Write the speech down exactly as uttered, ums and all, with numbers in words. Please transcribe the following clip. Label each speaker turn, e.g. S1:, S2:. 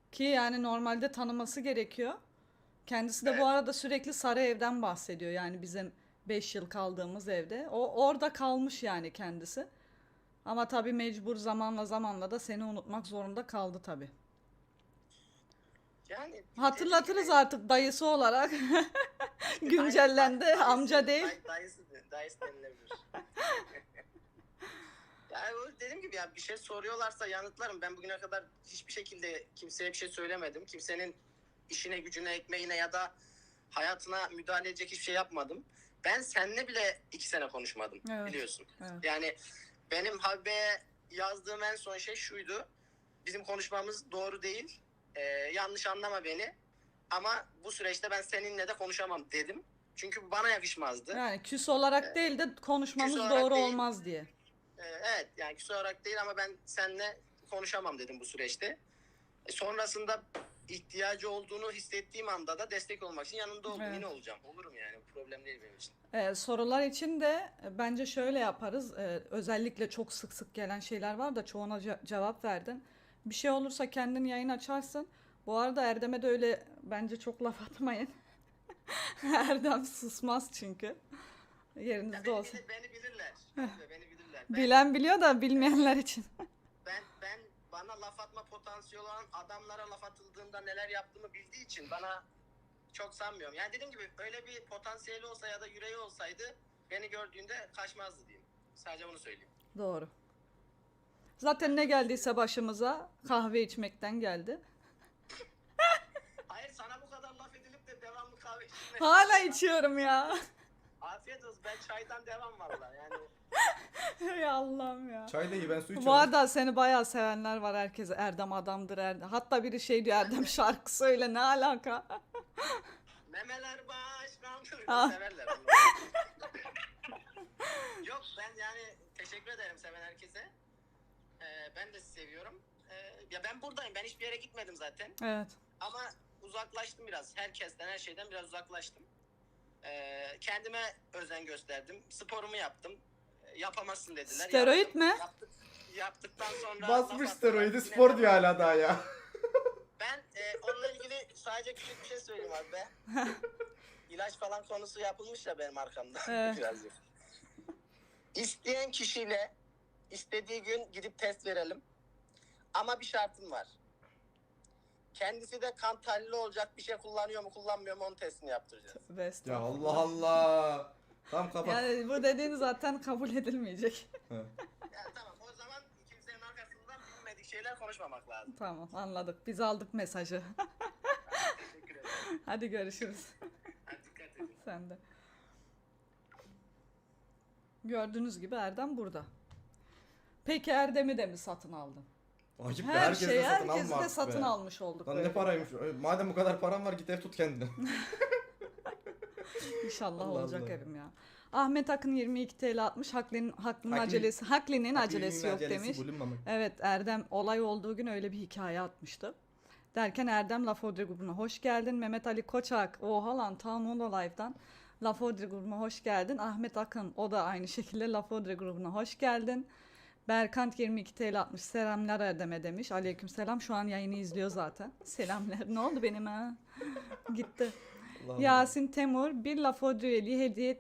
S1: Ki yani normalde tanıması gerekiyor. Kendisi de bu
S2: Evet.
S1: arada sürekli sarı evden bahsediyor. Yani bizim beş yıl kaldığımız evde. O orada kalmış yani kendisi. Ama tabii mecbur zamanla zamanla da seni unutmak zorunda kaldı tabii.
S2: Yani dediğim
S1: Hatırlatırız
S2: gibi
S1: artık dayısı olarak.
S2: dayı, day,
S1: Güncellendi amca
S2: dayısı,
S1: değil.
S2: day, dayısı, dayısı denilebilir. Yani o dediğim gibi ya bir şey soruyorlarsa yanıtlarım. Ben bugüne kadar hiçbir şekilde kimseye bir şey söylemedim. Kimsenin işine, gücüne, ekmeğine ya da hayatına müdahale edecek hiçbir şey yapmadım. Ben seninle bile iki sene konuşmadım
S1: Evet.
S2: biliyorsun.
S1: Evet.
S2: Yani benim Habibe'ye yazdığım en son şey şuydu. Bizim konuşmamız doğru değil. Ee, yanlış anlama beni. Ama bu süreçte ben seninle de konuşamam dedim. Çünkü bu bana yakışmazdı.
S1: Yani küs olarak
S2: Ee,
S1: değil de
S2: küs
S1: konuşmamız
S2: olarak
S1: doğru
S2: değil.
S1: olmaz diye.
S2: Ee, evet yani küs olarak değil ama ben seninle konuşamam dedim bu süreçte. E, sonrasında ihtiyacı olduğunu hissettiğim anda da destek olmak için yanında oldum.
S1: Evet.
S2: Yine olacağım. Olurum yani. Problem değil benim için.
S1: Ee, sorular için de e, bence şöyle yaparız. Ee, özellikle çok sık sık gelen şeyler var da çoğuna ce- cevap verdin. Bir şey olursa kendin yayın açarsın. Bu arada Erdem'e de öyle bence çok laf atmayın. Erdem susmaz çünkü.
S2: Ya
S1: Yerinizde
S2: beni
S1: olsun.
S2: bilir, beni bilirler. Abi beni bilirler. Ben
S1: Bilen biliyor da bilmeyenler için.
S2: ben ben bana laf atma potansiyeli olan adamlara laf atıldığında neler yaptığımı bildiği için bana çok sanmıyorum. Yani dediğim gibi öyle bir potansiyeli olsa ya da yüreği olsaydı beni gördüğünde kaçmazdı diyeyim. Sadece bunu söyleyeyim.
S1: Doğru. Zaten ne
S2: Başka bir şey
S1: geldiyse
S2: yok.
S1: başımıza kahve içmekten geldi.
S2: Hayır sana bu kadar laf edilip de devamlı kahve içilmesi.
S1: Hala içiyorum ya.
S2: Afiyet olsun. Ben çaydan devam valla yani.
S1: Ey Allah'ım ya.
S3: Çay da iyi, ben su
S1: Bu
S3: içiyorum.
S1: arada seni bayağı sevenler var, herkese Erdem adamdır Erdem. Hatta biri şey diyor, Erdem şarkı söyle, ne alaka?
S2: Memeler başkandır.
S1: Ah.
S2: Severler onu. Yok ben yani teşekkür ederim seven herkese. Ee, ben de sizi seviyorum. Ee, ya ben buradayım. Ben hiçbir yere gitmedim zaten.
S1: Evet.
S2: Ama uzaklaştım biraz. Herkesten, her şeyden biraz uzaklaştım. Ee, kendime özen gösterdim. Sporumu yaptım. Ee, yapamazsın dediler.
S1: Steroid
S2: Yaptım.
S1: mi?
S2: Yaptık, yaptıktan sonra
S3: Basmış
S2: laf
S3: steroidi,
S2: attılar. Yine
S3: spor diyor
S2: devam.
S3: hala daha ya.
S2: Ben e, onunla ilgili sadece küçük bir şey söyleyeyim abi be. İlaç falan konusu yapılmış ya benim arkamda.
S1: Evet.
S2: Birazcık. İsteyen kişiyle istediği gün gidip test verelim. Ama bir şartım var. Kendisi de kan tahlili olacak bir şey kullanıyor mu kullanmıyor mu onun testini yaptıracağız.
S1: Tövbe
S3: Ya
S1: estağfurullah.
S3: Allah Allah. Tam kapat.
S1: Yani bu dediğin zaten kabul edilmeyecek.
S3: He.
S2: Yani tamam o zaman kimsenin arkasından bilmedik şeyler konuşmamak lazım.
S1: Tamam, anladık. Biz aldık mesajı.
S2: Hadi, teşekkür ederim.
S1: Hadi görüşürüz.
S2: Hadi dikkat edin.
S1: Sen de. Gördüğünüz gibi Erdem burada. Peki Erdem'i de mi satın aldın?
S3: Acip be,
S1: Her
S3: herkes
S1: şeyi
S3: de satın
S1: herkesi
S3: alma
S1: de
S3: artık
S1: satın
S3: be.
S1: almış olduk.
S3: Lan ne
S1: böyle.
S3: paraymış. Madem bu kadar paran var git ev tut kendine.
S1: İnşallah
S3: Allah
S1: olacak
S3: Allah.
S1: evim ya. Ahmet Akın yirmi iki T L atmış. Haklinin, Haklının
S3: Hakli-
S1: acelesi, Haklinin acelesi
S3: Aklının
S1: yok
S3: acelesi
S1: demiş.
S3: bulunmamak.
S1: Evet, Erdem olay olduğu gün öyle bir hikaye atmıştı. Derken Erdem Lafodri grubuna hoş geldin. Mehmet Ali Koçak, oha lan tam Mono Live'dan. Lafodri grubuna hoş geldin. Ahmet Akın, o da aynı şekilde Lafodri grubuna hoş geldin. Berkant yirmi iki T L atmış. Selamlar Erdem'e demiş. Aleykümselam, şu an yayını izliyor zaten. Selamlar. Ne oldu benim ha? Gitti.
S3: Allah Allah.
S1: Yasin Temur bir Lafodri üyeliği hediye